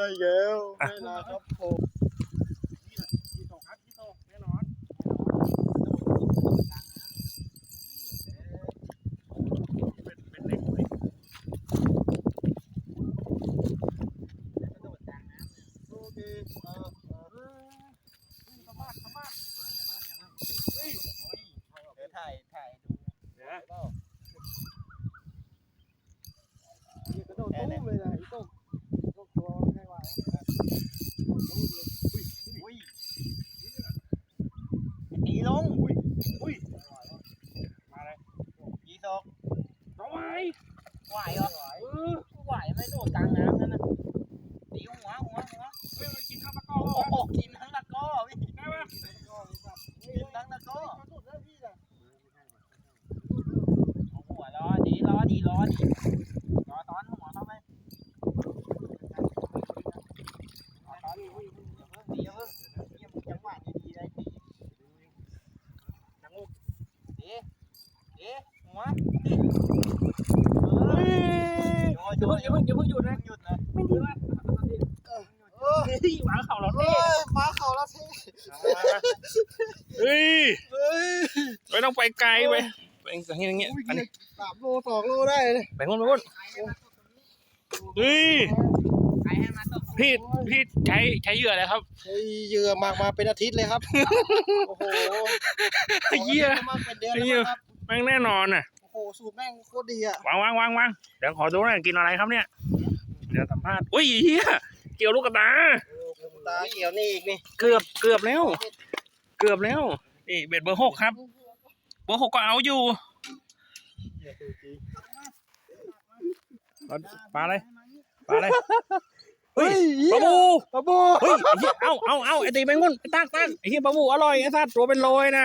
อีกแล้วแน่นอนครับผมที่ตกครับที่ตกแน่นอนเป็นเล็กเลยโอเคสมาร์ทเฮ้ยเดี๋ยวถ่ายดูเดี๋ยวกระโดดตุ้มเลยนะอีตุ้มตัวง่ายกว่าอุ้ยตีลงอุ้ยมาเลยยีสกน้องไหวเหรอไหวไม่โดดกลางน้ำนั่นนะตีหัวเฮ้ยมันกินทั้งตะก้อโอ้โหกินทั้งตะก้อพี่ได้ปะกินทั้งตะก้อเอาหัวล้อดีรอซ้อนหัวเข้าไปตีเพิ่งจังหวะดีได้ตีจังหวะหัวอย่าเพิ่งหยุดนะไม่ดีว่ะหมาเข่าเราเท่หมาเข่าเราเท่เฮ้ยไม่ต้องไปไกลไปอย่างเงี้ย3 โล 2 โลได้เลยไปงนเฮ้ยพี่ใช้เหยื่ออะไรครับใช้เหยื่อมาเป็นอาทิตย์เลยครับโอ้โหเหยื่อแม่งแน่นอนอ่ะโอ้โหสูตรแม่งโคตรดีอ่ะวางเดี๋ยวขอดูหน่อยกินอะไรครับเนี่ยเดี๋ยวสัมภาษณ์อุ้ยเฮียเกี่ยวลูกกระตาเกี่ยวนี่อีกนี่เกือบแล้วนี่เบ็ดเบอร์ 6ครับเบอร์ 6ก็เอาอยู่ปลาอะไรเฮ้ยปลาบูเฮ้ยเอาไอ้ตีแมงมุมตั้งไอ้เหี้ยปลาบูอร่อยไอ้สัตว์ตัวเป็นโลยนะ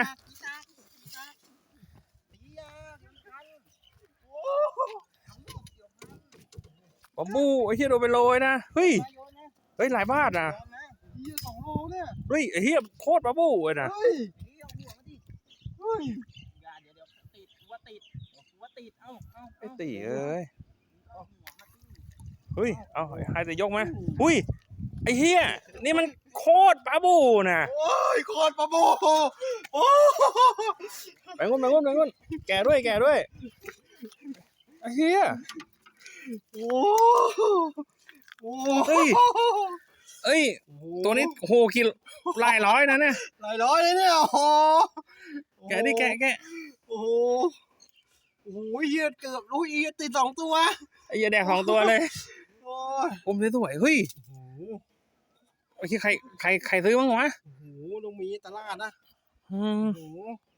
ปลาบูไอ้เหี้ยตัวเป็นโลยนะเฮ้ยหลายบาทนะ2 โลเนี่ยเฮ้ยไอ้เหี้ยโคตรปลาบูเลยนะเฮ้ยเดี๋ยวติดไอ้ตีเอ้ยเฮ้ยเอาให้แต่ยกไหมอุ้ยไอ้เหี้ยนี่มันโคตรปลาบูนะโอ้ยโคตรปลาบูโอ้ไปงนแก่ด้วยไอ้เหี้ยโอ้เอ้ยตัวนี้โหกิโลหลายร้อยนะเนี่ยหลายร้อยเลยเนี่ยโอ้แกดิแกโอ้โหเหี้ยเกือบลูกอีติด2 ตัวไอ้เหี้ยแดก2 ตัวเลยผมสวยเฮ้ยโอเคใครซื้อบ้างวะโอ้โหลงมีตลาดนะ